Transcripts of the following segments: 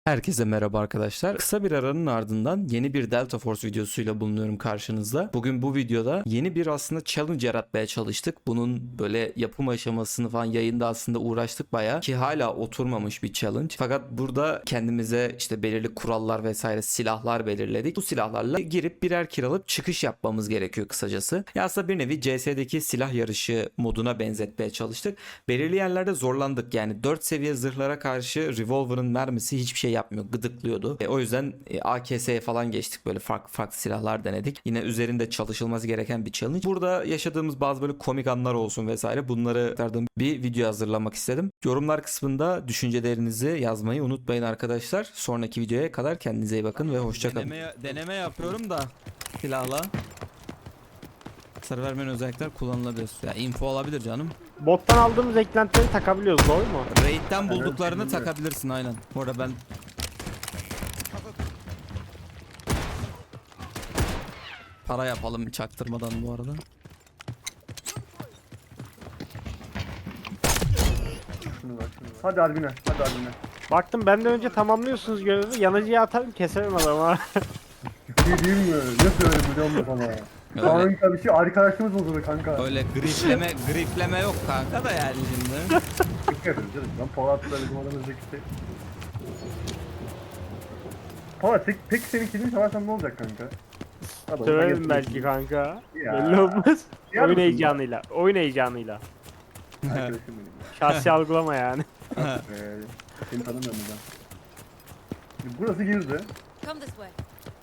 Herkese merhaba arkadaşlar. Kısa bir aranın ardından yeni bir Delta Force videosuyla bulunuyorum karşınızda. Bugün bu videoda yeni bir aslında challenge yaratmaya çalıştık. Bunun böyle yapım aşamasını falan yayında aslında uğraştık bayağı ki hala oturmamış bir challenge. Fakat burada kendimize işte belirli kurallar vesaire silahlar belirledik. Bu silahlarla girip birer kiralıp çıkış yapmamız gerekiyor kısacası. Ya aslında bir nevi CS'deki silah yarışı moduna benzetmeye çalıştık. Belirli yerlerde zorlandık. Yani 4 seviye zırhlara karşı revolver'ın mermisi hiçbir şey yapmıyor. Gıdıklıyordu. O yüzden AKS'ye falan geçtik. Böyle farklı farklı silahlar denedik. Yine üzerinde çalışılması gereken bir challenge. Burada yaşadığımız bazı böyle komik anlar olsun vesaire bunları aktardığım bir video hazırlamak istedim. Yorumlar kısmında düşüncelerinizi yazmayı unutmayın arkadaşlar. Sonraki videoya kadar kendinize iyi bakın ve hoşçakalın. Deneme yapıyorum da silahla. Hasar vermeyen özellikler kullanılabilir. Ya info olabilir canım. Bottan aldığımız eklentileri takabiliyoruz, doğru mu? Raid'den bulduklarını takabilirsin aynen. Bu arada ben para yapalım çaktırmadan bu arada. Şunu bak, şunu bak. Hadi Albine, hadi Albine. Baktım benden önce tamamlıyorsunuz görevi. Yanıcıya atarım keserim adamı ha. Bir şey değil mi? Ne söyledim biliyor musun sana? Öyle, Kanka bir şey arkadaşımız bozuldu kanka. öyle grifleme yok kanka da yani şimdi. Dikkat edin canım. Ben Polat'la bizim aramızdaki şey. Polat peki senin kilini çalarsan ne olacak kanka? Hadi, Söverim belki kanka. Ya. Belli olmaz. Yer Oyun misin heyecanıyla. Oyun heyecanıyla. Arkadaşım benim. Şahsi algılama yani. Seni tanımıyorum ben. Şimdi burası girdi. Come this way.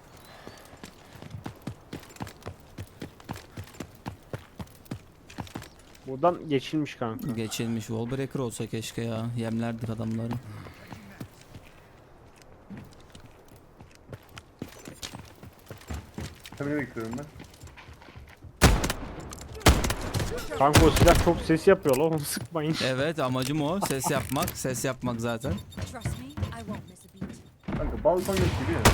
Buradan geçilmiş kanka. Geçilmiş wallbreaker olsa keşke ya. Yemlerdir adamları. Tabii bekliyorum ben. Kanka o silah çok ses yapıyor lan, onu sıkmayın. Evet amacım o. Ses yapmak. Ses yapmak zaten. Trust me, I won't miss a beat. Kanka balkon yok gibi ya.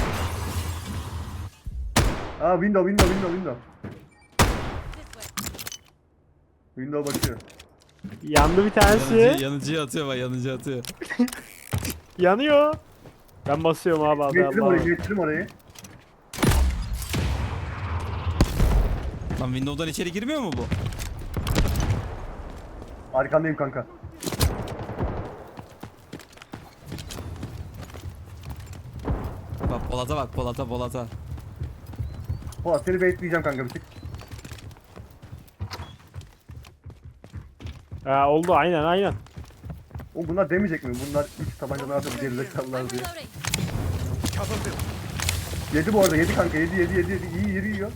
Aa window. This way. Window bakıyor. Yandı bir tanesi. Yanıcıya atıyor bak yanıcıya atıyor. Yanıyor. Ben basıyorum abi abi. Geçtim orayı. Lan Windows'dan içeri girmiyor mu bu? Arkandayım kanka. Bak Polat'a bak Polat'a. Polat seni bekleyeceğim kanka bir tık. Ha, oldu aynen. O bunlar demeyecek mi? Bunlar 3 tabancadan atıp gerizekalılar I'm diye. reloading. Yedi bu arada, yedi kanka, yedi. İyi yeri yiyor.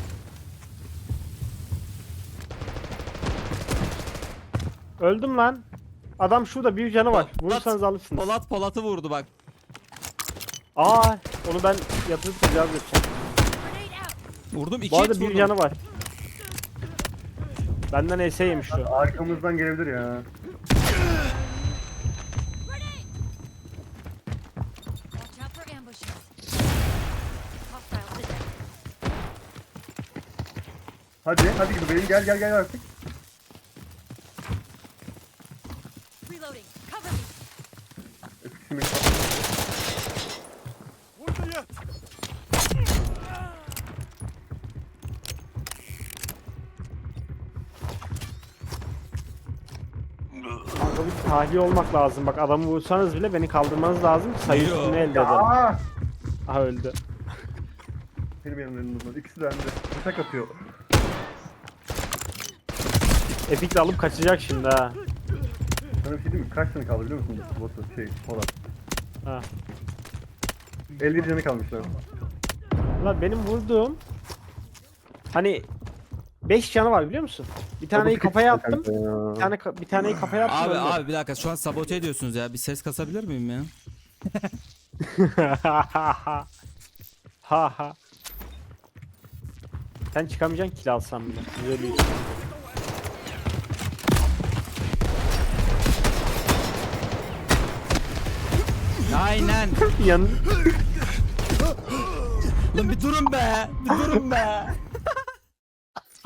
Öldüm lan. Adam şurada, bir canı var. Vurursanız alırsınız. Polat'ı vurdu bak. Aa, onu ben yatırıp tecavüz edeceğim. Grenade out. Vurdum 2 Bu arada hit bir vurdum. canı var. Benden ES yemiş şu. Arkamızdan gelebilir ya. Grenade. Watch out for ambushes. Hostiles detected. Hadi gibi benim gel artık. Reloading. Cover me. Şimdi Kanka bir tahliye olmak lazım. Bak adamı vursanız bile beni kaldırmanız lazım. Sayı Yo. üstünü elde edelim. Aa! Aha öldü. Benim yanımda. İkisi de bende. Bıçak atıyor. Epic de alıp kaçacak şimdi ha. Sana bir şey diyeyim mi? Kaç tane kaldı biliyor musun? Botu Polat. Ha. 50 canı kalmışlar. Ulan benim vurduğum hani 5 canı var biliyor musun? Bir taneyi kafaya attım. Bir taneyi kafaya attım. öldü. Abi bir dakika şu an sabote ediyorsunuz ya. Bir ses kasabilir miyim ya? Ha. Sen çıkamayacaksın, kill alsam bile. Güzel bir iş. Aynen. Yan Lan bir durun be.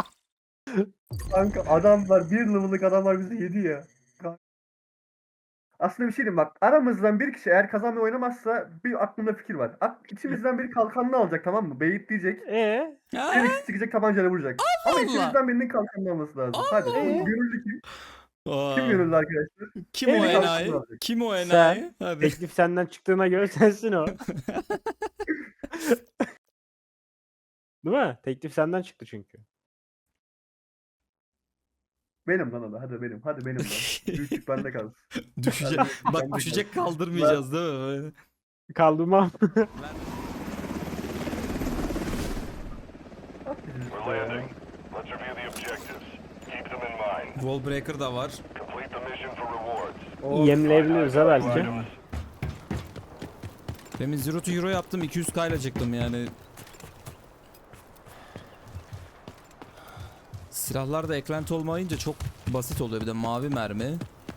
Kanka adamlar, bir level'lık adamlar bizi yedi ya. Aslında bir şey diyeyim bak. Aramızdan bir kişi eğer kazanmayı oynamazsa bir aklımda fikir var. İçimizden biri kalkanını alacak, tamam mı? Beyit diyecek. Ha? Diğer ikisi çıkacak, tabancayla vuracak. Ama Allah! içimizden birinin kalkanını alması lazım. Hadi. Allah! Gönüllü kim? Aa, Kim gönüllü arkadaşlar? kim o Evet. enayi? Kim o enayi? Hadi. Teklif senden çıktığına göre sensin o. Değil mi? Teklif senden çıktı çünkü. Benim lan o da. Hadi benim. Hadi benim lan. Büyüklük bende kalsın. Düşecek. Bak düşecek kaldırmayacağız değil mi? Böyle. Kaldırmam. At bizi We're işte ya. landing. Let's review the objectives. Keep them in mind. Wallbreaker da var. Complete the mission for rewards. O Yemleyebiliriz ha belki. Items. Demin Zero to Hero yaptım 200k ile çıktım yani. Silahlarda eklenti olmayınca çok basit oluyor, bir de mavi mermi.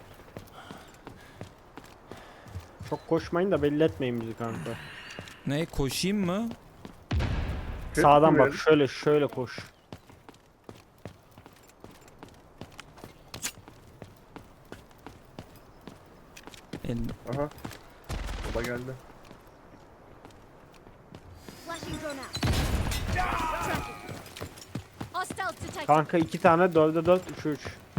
Çok koşmayın da belli etmeyin bizi kanka. Ne, koşayım mı? Sağdan bak, verelim. şöyle koş. Aha. Baba geldi. Flashing drone out. Tracking. Hostiles detected. Kanka 2 tane 4'e 4 3'e 3.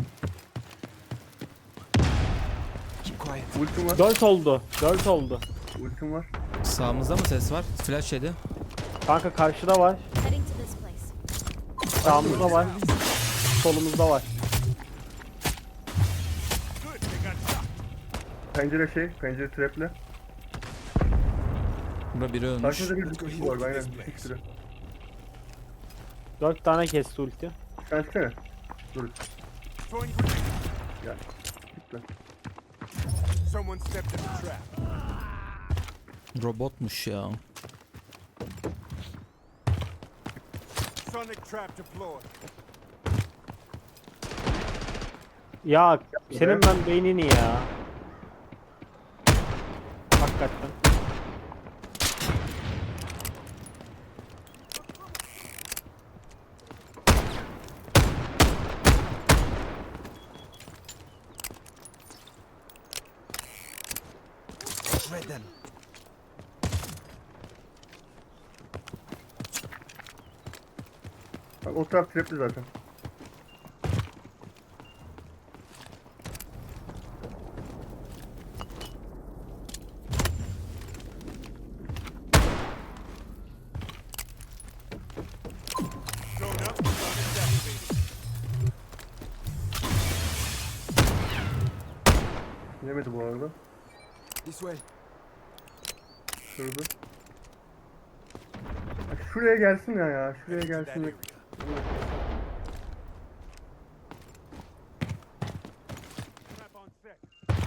Ultim var. 4 oldu. 4 oldu. Ultim var. Sağımızda mı ses var? Flash yedi. Kanka karşıda var. Heading to this place. Sağımızda var. Solumuzda var. Pencere trap'le. Burada biri ölmüş. Karşımızda bir kişi var. Aynen. Bir sürü. 4 tane kesti ulti. Sen çıksana. Dur. Gel. Git lan. Someone stepped in the trap. Robotmuş ya. Sonic trap deployed. Ya senin ben beynini ya. Hakikaten. Shred them. Bak o taraf trap'li zaten. Drone up. Sonic activated. Yemedi bu arada. This way. Şurada. Bak şuraya gelsin ya. Şuraya That gelsin. area. Trap on set.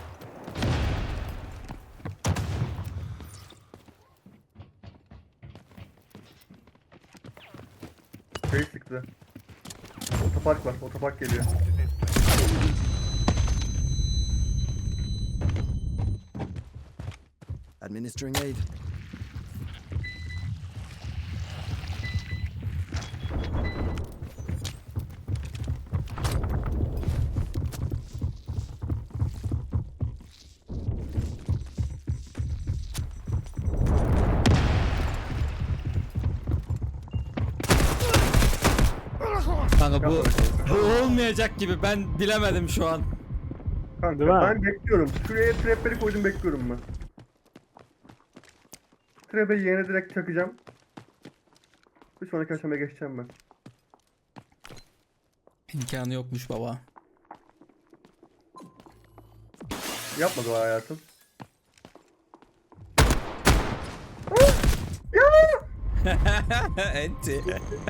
Şey çıktı. Otopark var. Otopark geliyor. Administering aid. Kanka bu olmayacak gibi, ben bilemedim şu an. Kanka Değil mi? ben bekliyorum. Şuraya trapleri koydum, bekliyorum ben. Trap'e yerine direkt çakacağım. Bir sonraki aşamaya geçeceğim ben. İmkanı yokmuş baba. Yapmadı o hayatım. Enti.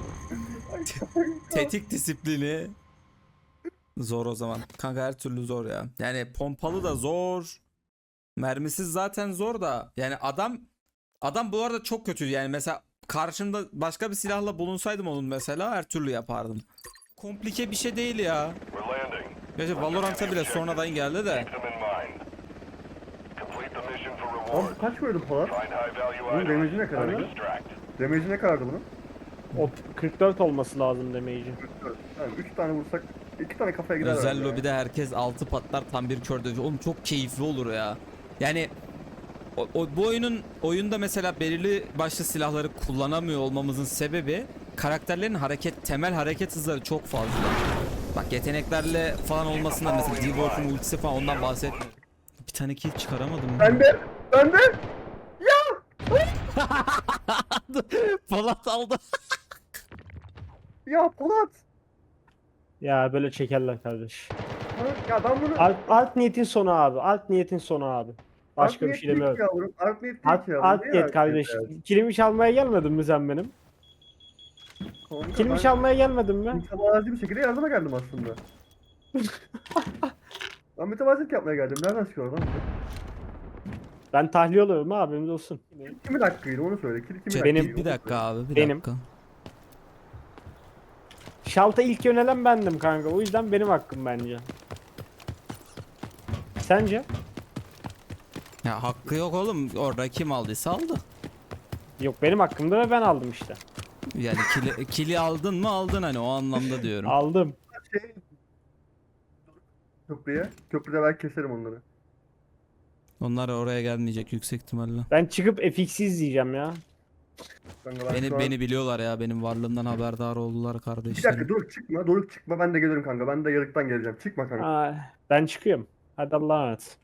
Tetik disiplini. Zor o zaman. Kanka her türlü zor ya. Yani pompalı da zor. Mermisiz zaten zor da. Yani adam bu arada çok kötü. Yani mesela karşımda başka bir silahla bulunsaydım onun mesela her türlü yapardım. Komplike bir şey değil ya. We're landing. Gerçi Valorant'a bile sonradan geldi de. Keep them in mind. Complete the mission for Abi rewards. kaç koydum Polat? Find high value Bunun items. damage'i ne kadar? Extract. Damage'i ne kadardı bunun? O 44 olması lazım damage'i. Tamam 3 tane vursak 2 tane kafaya gider. Özel herhalde ya. lobide herkes 6 patlar tam bir kör dövüş. Oğlum çok keyifli olur ya. Yani bu oyunda mesela belirli başlı silahları kullanamıyor olmamızın sebebi karakterlerin temel hareket hızları çok fazla. Bak yeteneklerle falan olmasından mesela D-Wolf'un ultisi falan ondan bahsetmiyorum. Bir tane kill çıkaramadım. Ben de. Polat aldı. Ya Polat. Ya böyle çekerler kardeş. Ya ben bunu... Art niyetin sonu abi. Art niyetin sonu abi. Başka bir şey demiyorum. Yavrum. Art niyet değil Art, ki yavrum. art Niye niyet art kardeş. niyet ya? Kilimi çalmaya gelmedin mi sen benim? Kanka, Kilimi ben çalmaya gelmedin mi? mütevazi bir şekilde yardıma geldim aslında. Ben mütevazilik yapmaya geldim. Nereden çıkıyor lan? Ben tahliye oluyorum ha, haberiniz olsun. Kimin hakkıydı onu söyle. Kimin Benim hakkıydı, bir onu dakika söyle. abi bir Benim. dakika. Şalta ilk yönelen bendim kanka. O yüzden benim hakkım bence. Sence? Ya hakkı yok oğlum. Orada kim aldıysa aldı. Yok, benim hakkımda ve ben aldım işte. Yani kili aldın mı aldın hani o anlamda diyorum. Aldım. Şey... Köprüye. Köprüde belki keserim onları. Onlar oraya gelmeyecek yüksek ihtimalle. Ben çıkıp FX'i izleyeceğim ya. Kanka ben Beni şu an- beni biliyorlar ya benim varlığımdan haberdar oldular Bir dakika kardeşlerim. Doruk çıkma. Doruk çıkma. Ben de gelirim kanka. Ben de yarıktan geleceğim. Çıkma kanka. Aa, ben çıkıyorum. Hadi Allah'a emanet.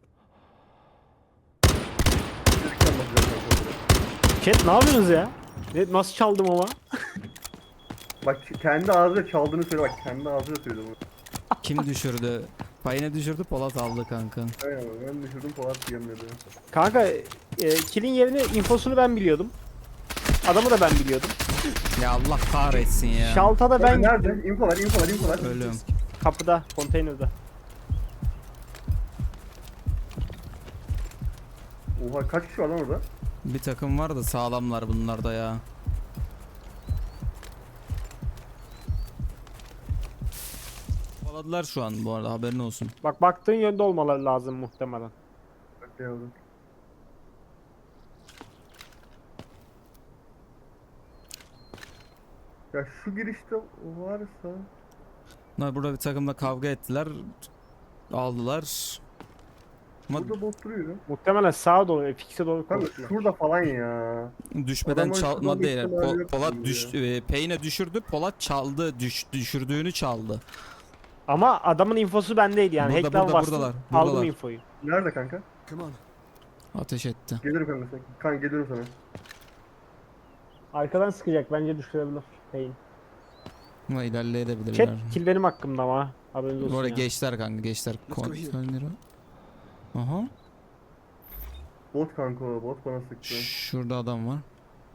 Yarıktan bakacağım kanka. Chat ne yapıyorsunuz ya? Nasıl çaldım ama? Bak kendi ağzıyla çaldığını söyle bak. Kendi ağzıyla söyle bunu. Kim düşürdü? Payına düşürdü Polat aldı kanka. Aynen ben düşürdüm Polat diyemedi. Kanka kill'in yerini, infosunu ben biliyordum. Adamı da ben biliyordum. Ya Allah kahretsin ya. Şalta da ben Nerede? gittim. Info ver, info ver, info ver. Ölüm. Kapıda, konteynerde. Oha kaç kişi var lan orada? Bir takım var da sağlamlar bunlar da ya. Kovaladılar şu an bu arada haberin olsun. Bak, baktığın yönde olmaları lazım muhtemelen. Bak yavrum. Ya şu girişte varsa... Bunlar burada bir takımla kavga ettiler. Aldılar. Ama Burada bot duruyor. Muhtemelen sağa doğru, FX'e doğru Kanka koştular. şurada falan ya. düşmeden Adamın çalma şuradan değil. bir ihtimali yok Polat gibi Payne düşürdü. Polat çaldı. Düşürdüğünü çaldı. Ama adamın infosu bendeydi yani. Burada, Hack'ten burada, bastım, buradalar, aldım buradalar. infoyu. Nerede kanka? Come on. Ateş etti. Gelirim kanka sen. Kanka geliyorum sana. Arkadan sıkacak, bence düşürebilir. Pain. Ama ilerleyebilirler. Chat, kill benim hakkımda ama. Haberiniz olsun Bu arada ya. geçler kanka geçler. Let's go here. Kontrolleri. Aha. Bot kanka o. Bot bana sıktı. Şurada adam var.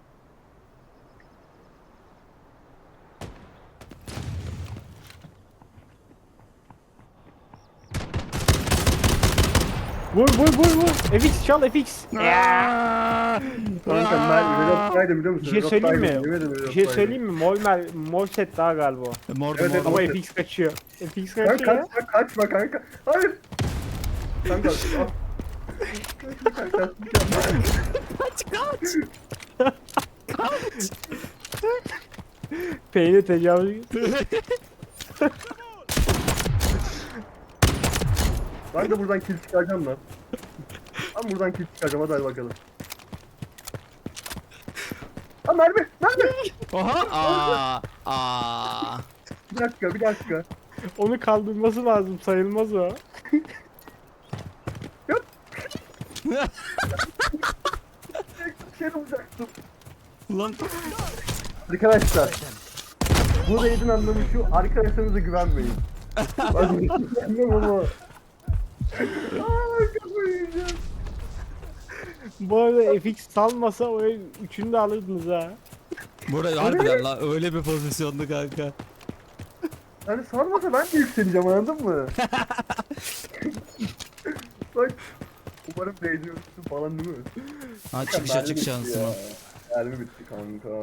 Vur vur vur vur. FX çal, FX. Kanka ben Reload'daydım biliyor musun? Bir şey söyleyeyim mi? Reload'daydım, yemin ederim Bir şey Reload'daydım. söyleyeyim mi? Mol set daha galiba. Mordu Evet, mordu. Ama evet. FX kaçıyor. FX Kanka kaçıyor ya. kaçma kanka. Hayır. Kanka. Kanka. Pain'e tecavüz. Ben de buradan kill çıkaracağım lan. Ben buradan kill çıkaracağım hadi bakalım. Ha mermi! Mermi! Oha! Aa! Bir dakika bir dakika. Onu kaldırması lazım, sayılmaz o. Bir şey olacaktım. Ulan Arkadaşlar. Bu raid'in anlamı şu, arkadaşlarınıza güvenmeyin. Ben güvenmem ama. Aaa kafayı yiyeceğim. Bu arada FX salmasa o üçünü de alırdınız ha. burada harbiden la öyle bir pozisyondu kanka. Yani sarmasa ben de yükseleceğim anladın mı? Bak. Umarım raid'i ölçüsün falan değil mi? Ha çıkış Mermi açık bitti şansın ya. o. Mermi bitti kanka.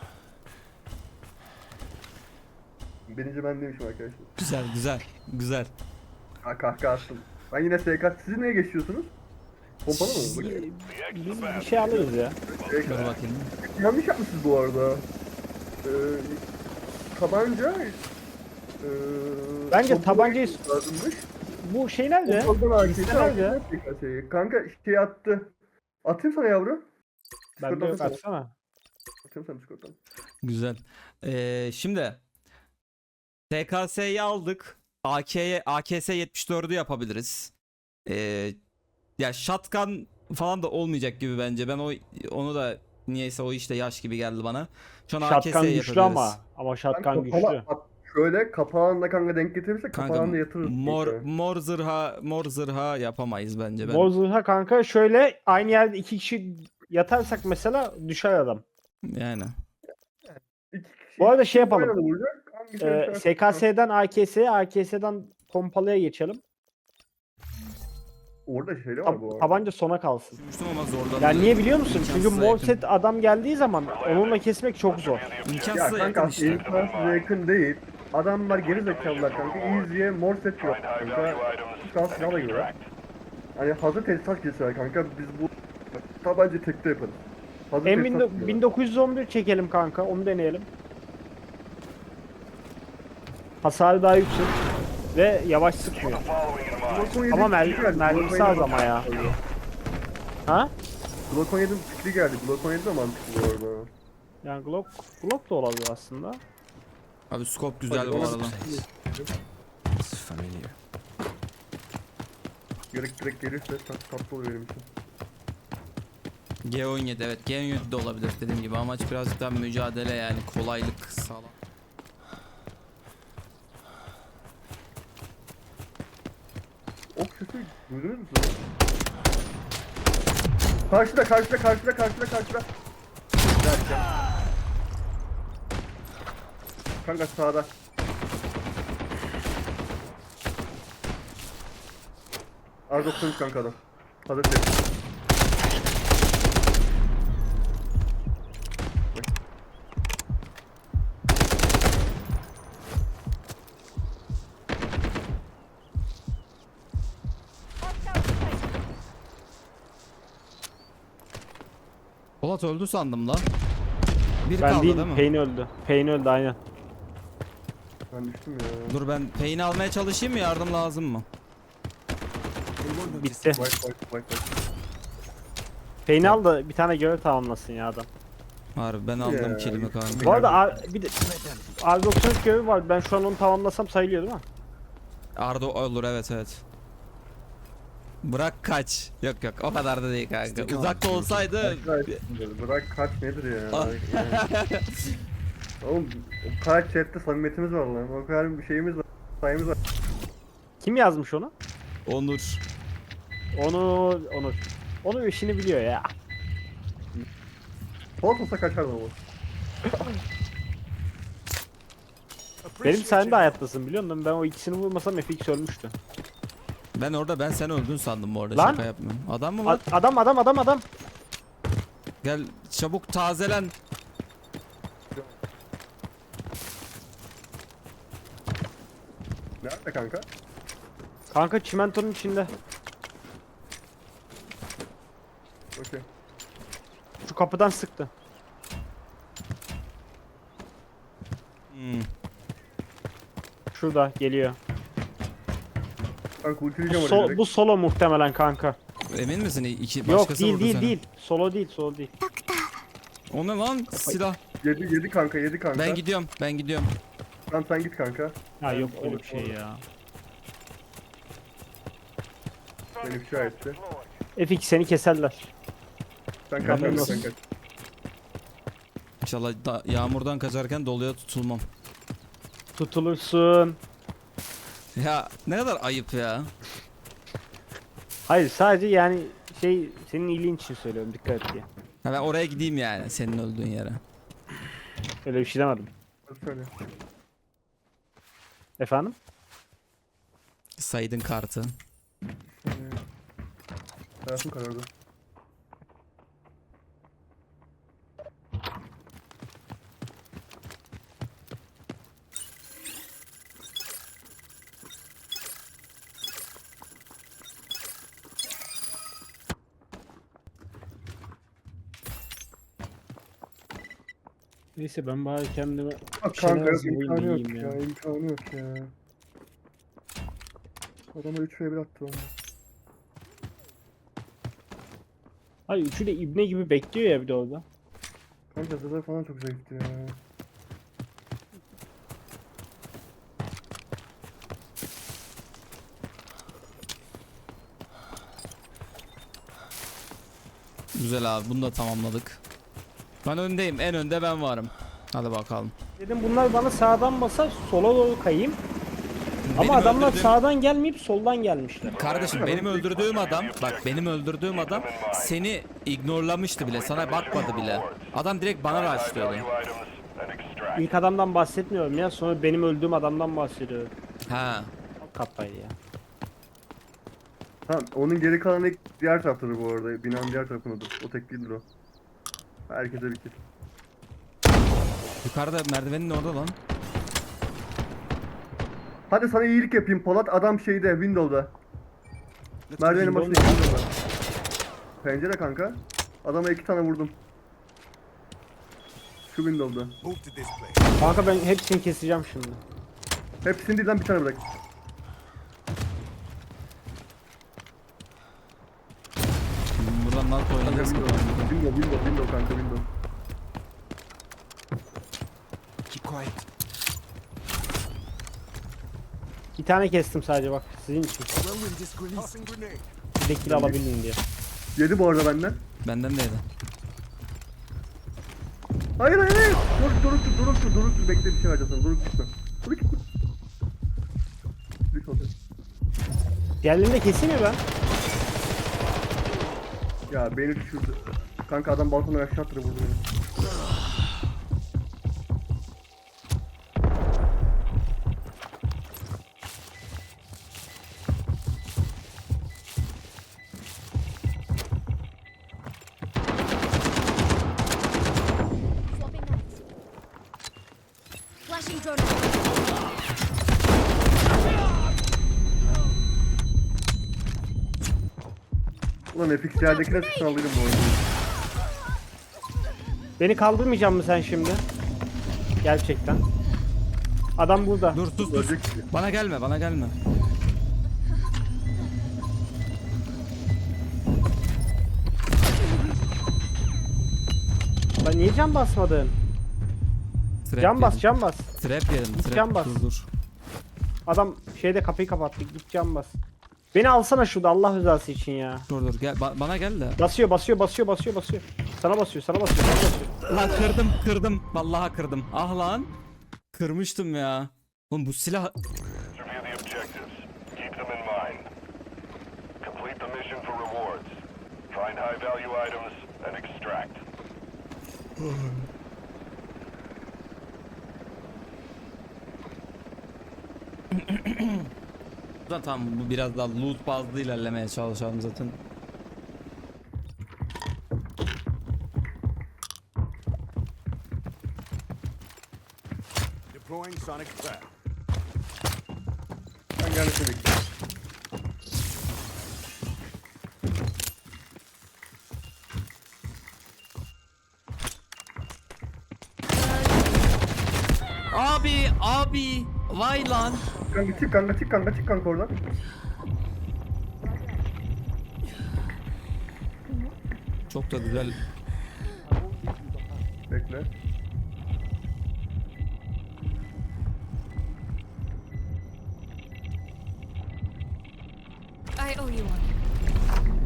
Birinci ben demişim arkadaşlar. Güzel güzel güzel. Ha kahkaha attım. Ben yine SK. Siz neye geçiyorsunuz? Pompalı mı? Bakayım. Biz bir şey alırız ya. Dur bakayım. Yanlış yapmışsınız bu arada. Tabanca Bence pompalı tabancayı- lazımmış. Bu şey nerede? Pompalıdan AK'si, Liste nerede? AK'si. Kanka şey attı. Atayım sana yavru. Bende yok, Discord'dan atsana. Atayım sana Discord'dan. Güzel. Şimdi TKS'yi aldık. AKS 74'ü yapabiliriz. Ee, Ya shotgun falan da olmayacak gibi bence. Ben onu da niyeyse o işte yaş gibi geldi bana. Şu an Shotgun AKS güçlü yapabiliriz. ama shotgun Kanka, güçlü. şöyle kapağında kanka denk getirirse Kanka kapağında yatırırız. mor zırha yapamayız bence. Mor zırha kanka şöyle aynı yerde iki kişi yatarsak mesela düşer adam. Yani İki kişi, Bu arada iki şey kişi yapalım. aynı anda vuracak. Hangisi düşerse- SKS'den AKS'ye, AKS'den pompalıya geçelim. Orada şey de var bu arada. Tabanca sona kalsın. düşünmüştüm ama zorlandı. Yani niye biliyor musun? Çünkü İmkansıza mor yakın. set adam geldiği zaman onunla kesmek çok zor. Ya İmkansıza kanka yakın işte. imkansıza yakın değil. Adamlar geri zekalılar kanka. Easy'ye mor set yok kanka. Şans silahla giriyor. Hani hazır tesisat kesiyor kanka. Biz bu tabanca tekte yaparız. Hazır tesisat giriyor. 1911 çekelim kanka. Onu deneyelim. Hasarı daha yüksek. Ve yavaş sıkmıyor. Glock 17 Ama fikri geldi, mermisi Glock 17 az ama ya. Ha? Glock 17'nin fikri geldi. Glock 17 de mantıklı bu arada. Yani Glock da olabilir aslında. Abi scope güzel Hadi bu ona- arada. It's familiar. Direkt gelirse tatlı oluyor benim için. G17 evet G17 de olabilir dediğim gibi. Amaç birazcık daha mücadele yani kolaylık sağlam. Ok sesi duydunuz mu? Karşıda. Derken. Kanka sağda. R93 kanka adam. Hazır ses. Polat öldü sandım lan. Bir Ben kaldı değil, değil mi? Payne öldü. Payne öldü aynen. Ben düştüm ya. Dur ben Payne'i almaya çalışayım mı? Yardım lazım mı? Bitti. Vay. Payne al da bir tane görev tamamlasın ya adam. Harbi ben aldım Ya, kilimi kanka. Bu arada bir de R93 görevi var. Ben şu an onu tamamlasam sayılıyor değil mi? Arda olur evet. Bırak kaç. Yok o kadar da değil kanka. Uzakta olsaydı Bırak kaç nedir ya? Ah. Yani. Oğlum o kadar chatte samimiyetimiz var lan. O kadar bir şeyimiz var. Sayımız var. Kim yazmış onu? Onur. Onur. Onur işini biliyor ya. Polat olsa kaçardı ama. Benim sayemde hayattasın biliyor musun? Ben o ikisini vurmasam FX ölmüştü. Ben sen öldün sandım bu arada Lan. şaka yapmıyorum. Adam mı var? Adam. Gel çabuk tazelen. Nerede kanka? Kanka çimentonun içinde. Okey. Şu kapıdan sıktı. Hmm. Şurada geliyor. Kanka ultileyeceğim oraya direkt. Bu solo muhtemelen kanka. Emin misin? İki Yok başkası değil vurdu değil seni. değil. Solo değil. O ne lan? Silah. Yedi kanka. Ben gidiyorum. Tamam sen git kanka. Ha yok öyle bir şey ya. Beni ifşa etti. FX seni keserler. Sen kaç Ben kanka nasıl- sen kaç. İnşallah yağmurdan kaçarken doluya tutulmam. Tutulursun. Ya ne kadar ayıp ya. Hayır sadece yani senin iyiliğin için söylüyorum dikkat et diye. Ha ben oraya gideyim yani senin öldüğün yere. Öyle bir şey demedim. Hadi söyle. Efendim? Saydın kartı. Hayatım karardı. Neyse ben bari kendime Bak bir şeyler kanka yok hazırlayayım da imkanı yok yiyeyim ya. İmkanı yok ya. Adama 3v1 attı onu. Hayır üçü de ibne gibi bekliyor ya bir de orada. Kanka zırhları falan çok zayıftı ya. Güzel abi, bunu da tamamladık. Ben öndeyim, en önde ben varım. Hadi bakalım. Dedim bunlar bana sağdan basar sola doğru kayayım. Ama Benim adamlar öldürdüğüm- sağdan gelmeyip soldan gelmişler. Kardeşim benim öldürdüğüm adam, bak benim öldürdüğüm adam seni ignorlamıştı bile, sana bakmadı bile. Adam direkt bana rushlıyordu. Value items and extract. İlk adamdan bahsetmiyorum ya sonra benim öldüğüm adamdan bahsediyorum. Ha. Çok kafaydı ya. Tamam onun geri kalanı diğer taraftadır bu arada. Binanın diğer tarafındadır. O tek değildir o. Herkese bir kill. Yukarıda merdivenin orada lan. Hadi sana iyilik yapayım Polat. Adam şeyde Windows'da. Merdivenin Windows başında Windows'da. Pencere kanka. Adama 2 tane vurdum. Şu Windows'da. Kanka ben hepsini keseceğim şimdi. Hepsini değil lan bir tane bırak. Buradan nasıl Kanka oynayacağız? Windows kanka Windows. Keep quiet. Bir tane kestim sadece bak sizin için. Throwing this grenade. Tossing grenade. Bir de kill alabilin diye. Yedi bu arada benden. Benden de yedi. Hayır. Dur. Bekle bir şey vereceğim sana. Dur gitme. Dur gitme. Bir olacak. Diğerlerini de keseyim mi ben? Ya beni düşürdü. Kanka adam balkondan aşağı attırdı vurdu beni. Swapping knives. Flashing drone out. Ulan FX yerdekine sıçan alırım bu oyunu. Beni kaldırmayacak mı sen şimdi? Gerçekten. Adam burada. Dur sus sus. Ölecek ki. Bana gelme, bana gelme. Lan niye cam basmadın? Trap Cam bas yedim. cam bas. Trap yedim. Trap. Cam bas. Dur. Adam şeyde kapıyı kapattı. Git cam bas. Beni alsana şurada Allah rızası için ya. Dur gel, bana gel de. Basıyor. Sana basıyor. Lan kırdım. Vallahi kırdım. Ah lan. Kırmıştım ya. Oğlum bu silah... Review the objectives. Keep them in mind. Complete the mission for rewards. Find high value items and extract. Tamam, bu biraz daha loot bazlı ilerlemeye çalışalım zaten. Deploying sonic trap. Ben gelmesini bekliyorum. Abi. Vay lan. Çık kanka oradan. Çok da güzel. Bekle. I owe you one.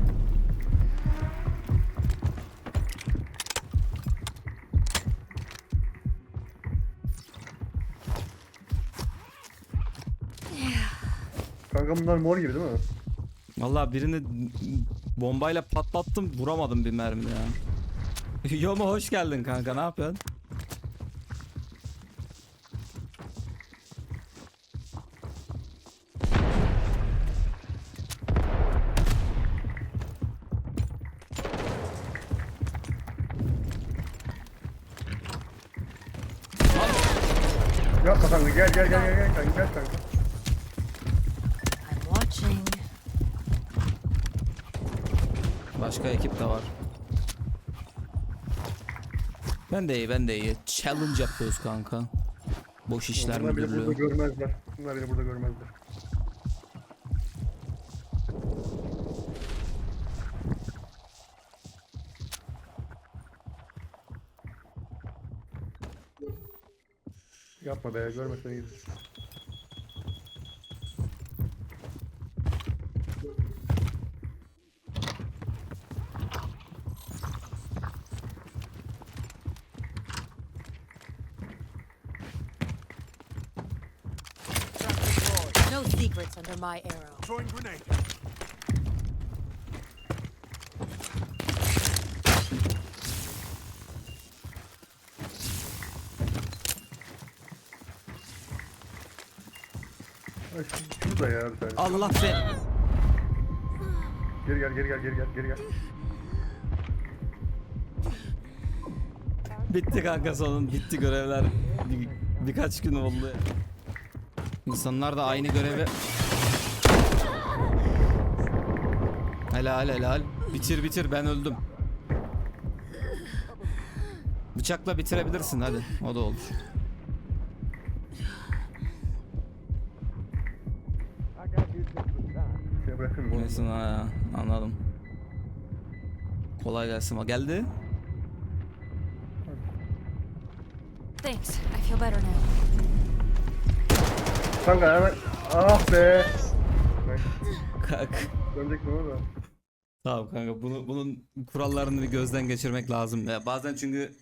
Kanka bunlar mor gibi değil mi? Vallahi birini bombayla patlattım, vuramadım bir mermi ya. Yoma hoş geldin kanka, ne yapıyorsun? Yapma kanka gel kanka gel kanka. I'm watching. Başka ekip de var. Ben de iyi, ben de iyi. Challenge yapıyoruz kanka. Boş işler Bunlar beni burada müdürlüğü. görmezler. Bunlar beni burada görmezler. Yapma be, görmesen iyi. No secrets under my arrow. Throwing grenade. Ay, şurada ya bir tane. Allah be. Geri gel, geri gel, geri gel, geri gel. Bitti kanka sonun. Bitti görevler. Birkaç gün oldu. İnsanlar da aynı görevi... Helal helal. Bitir bitir, ben öldüm. Bıçakla bitirebilirsin hadi. O da olur. Şey bırakın mı? Neyse ha, anladım. Kolay gelsin. O geldi. Thanks. I feel better now. Kanka hemen. Ah be. Kalk. Dönecek mi o da? Tamam kanka, bunun kurallarını bir gözden geçirmek lazım. Ya bazen çünkü